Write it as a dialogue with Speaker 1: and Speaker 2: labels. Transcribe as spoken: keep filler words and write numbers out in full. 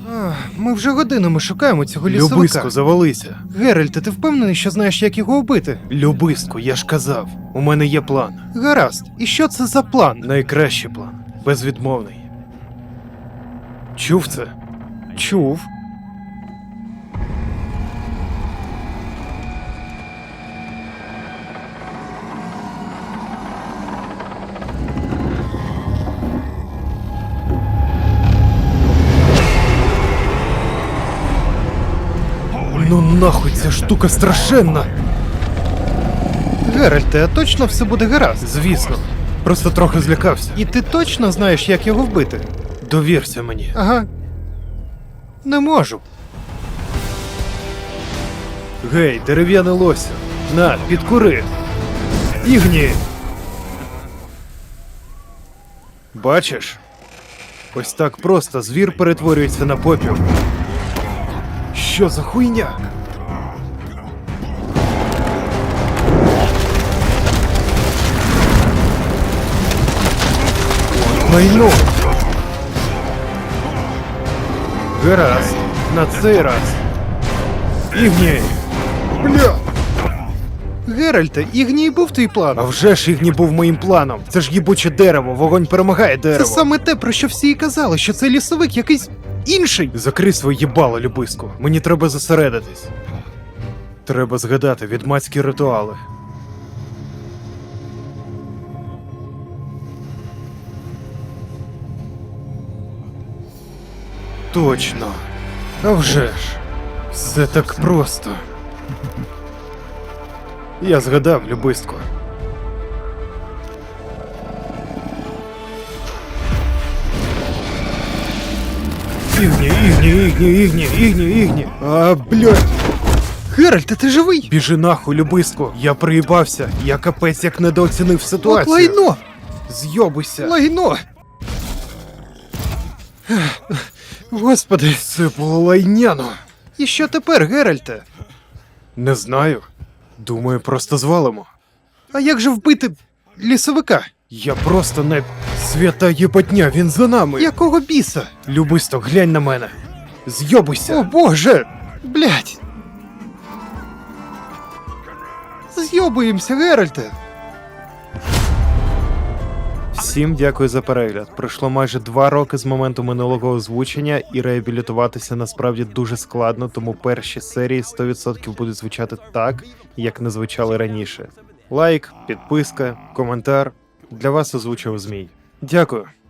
Speaker 1: Ах, ми вже годинами шукаємо цього лісовика.
Speaker 2: Любиско, завалися.
Speaker 1: Геральте, ти впевнений, що знаєш, як його вбити?
Speaker 2: Любиско, я ж казав, у мене є план.
Speaker 1: Гаразд. І що це за план?
Speaker 2: Найкращий план. Безвідмовний. Чув це?
Speaker 1: Чув.
Speaker 2: Ну нахуй, ця штука страшенна!
Speaker 1: Геральте, а точно все буде гаразд?
Speaker 2: Звісно. Просто трохи злякався.
Speaker 1: І ти точно знаєш, як його вбити?
Speaker 2: Довірся мені.
Speaker 1: Ага. Не можу.
Speaker 2: Гей, дерев'яне лося. На, підкури. Ігні. Бачиш? Ось так просто звір перетворюється на попіл. Що за хуйня? Майно! Гаразд, на цей раз. Ігні! Бля!
Speaker 1: Геральте, Ігній був твій план.
Speaker 2: А вже ж Ігні був моїм планом. Це ж їбуче дерево, вогонь перемагає дерево.
Speaker 1: Це саме те, про що всі і казали, що це лісовик якийсь інший.
Speaker 2: Закрий своє їбало, Любиску. Мені треба зосередитись. Треба згадати відьмацькі ритуали. Точно. А вже ж. Все так просто. Я згадав, Любиску. Ігні, ігні, ігні, ігні, ігні, ігні. А, блядь.
Speaker 1: Геральте, ти живий?
Speaker 2: Біжи нахуй, Любиску. Я приїбався. Я капець як недооцінив
Speaker 1: От
Speaker 2: ситуацію.
Speaker 1: лайно!
Speaker 2: Зйобуйся.
Speaker 1: Лайно! Господи,
Speaker 2: Це було лайняно.
Speaker 1: і що тепер, Геральте?
Speaker 2: Не знаю. Думаю, просто звалимо.
Speaker 1: А як же вбити лісовика?
Speaker 2: Я просто не... Свята єбатня, він за нами.
Speaker 1: Якого біса?
Speaker 2: Любисто, глянь на мене. Зйобуйся.
Speaker 1: О боже! Блять! Зйобуємося, Геральте!
Speaker 2: Всім дякую за перегляд. Пройшло майже два роки з моменту минулого озвучення, і реабілітуватися насправді дуже складно, тому перші серії сто відсотків будуть звучати так, як не звучали раніше. Лайк, підписка, коментар. Для вас озвучив Змій. Дякую.